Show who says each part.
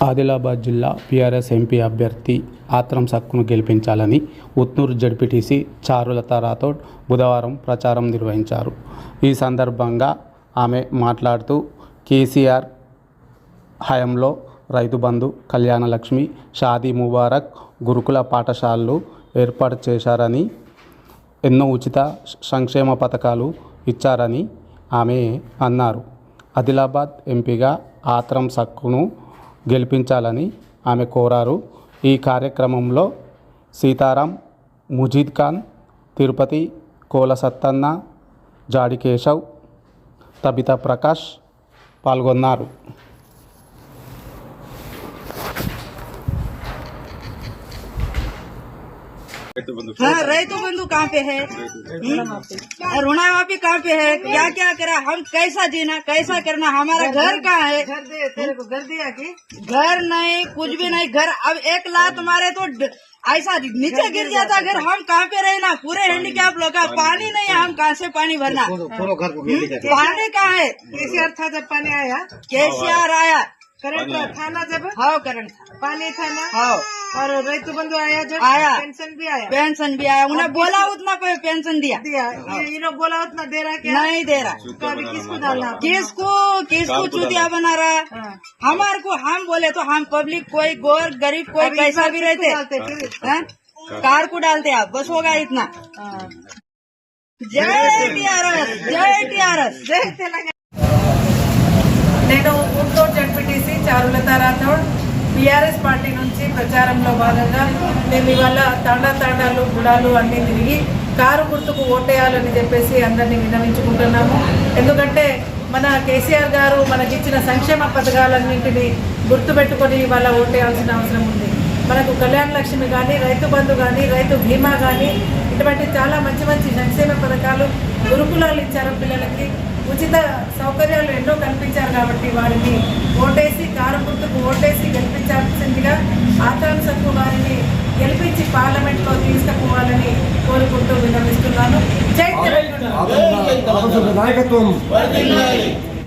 Speaker 1: ఆదిలాబాద్ జిల్లా TRS MP అభ్యర్థి ఆత్రం సక్కును గెలిపించాలని ఉట్నూరు జడ్పీటీసీ చారులత రాథోడ్ బుధవారం ప్రచారం నిర్వహించారు. ఈ సందర్భంగా ఆమె మాట్లాడుతూ కేసీఆర్ హయాంలో రైతు బంధు, కళ్యాణ లక్ష్మి, షాదీ ముబారక్, గురుకుల పాఠశాలలు ఏర్పాటు చేశారని, ఎన్నో ఉచిత సంక్షేమ పథకాలు ఇచ్చారని ఆమె అన్నారు. ఆదిలాబాద్ ఎంపీగా ఆత్రం సక్కును గెలిపించాలని ఆమె కోరారు. ఈ కార్యక్రమంలో సీతారాం, ముజీద్ ఖాన్, తిరుపతి, కోల సత్తన్న, జాడి కేశవ్, తబితా ప్రకాష్ పాల్గొన్నారు.
Speaker 2: रैतु बंधु कहाँ पे है, ऋणा माफी कहाँ पे है, क्या क्या करा, हम कैसा जीना, कैसा करना, हमारा घर कहाँ है, तेरे को घर दिया कि घर नहीं, कुछ भी नहीं घर। अब एक लात मारे तो ऐसा नीचे गिर जाता घर। हम कहाँ पे रहना, पूरे हैंडीकैप लोग का पानी नहीं है, हम कहाँ से पानी भरना, पानी कहाँ है। केसीआर था जब पानी आया, केसीआर आया, करंट था ना जब, हाँ करंट था, पानी था ना, हाँ, और रैतु बंधु आया जब, आया पेंशन भी आया, उन्हें बोला उतना कोई पेंशन दिया, ये लोग बोला उतना दे रहा क्या, नहीं दे रहा। तो अभी किसको डालना, किसको चूतिया बना रहा है। हमारे को हम बोले तो हम पब्लिक कोई गोर गरीब कोई कैसा भी रहते कार को डालते आप, बस होगा इतना। जय टीआरएस, जय टीआरएस, जय तेलंगाना।
Speaker 3: నేను Guntur ZPTC Charulatha Rathod TRS party నుంచి ప్రచారంలో భాగంగా మేము ఇవాళ తాండాలు గుడాలు అన్నీ తిరిగి కారు గుర్తుకు ఓటేయాలని చెప్పేసి అందరినీ విన్నవించుకుంటున్నాము. ఎందుకంటే మన కేసీఆర్ గారు మనకిచ్చిన సంక్షేమ పథకాలన్నింటినీ గుర్తుపెట్టుకొని ఇవాళ ఓటేయాల్సిన అవసరం ఉంది. మనకు కళ్యాణ లక్ష్మి కానీ, రైతు బంధు కానీ, రైతు బీమా కానీ, ఇటువంటి చాలా మంచి మంచి సంక్షేమ పథకాలు, గురుకులాలు ఇచ్చారు పిల్లలకి, ఉచిత సౌకర్యాలు ఎన్నో కల్పించారు. కాబట్టి వారిని ఓటేసి కారు గుర్తుకు ఓటేసి గెలిపించాల్సిందిగా ఆత్రం సక్కు వారిని గెలిపించి పార్లమెంట్లో తీసుకుపోవాలని కోరుకుంటూ విన్నవిస్తున్నాను. జై తెలంగాణ.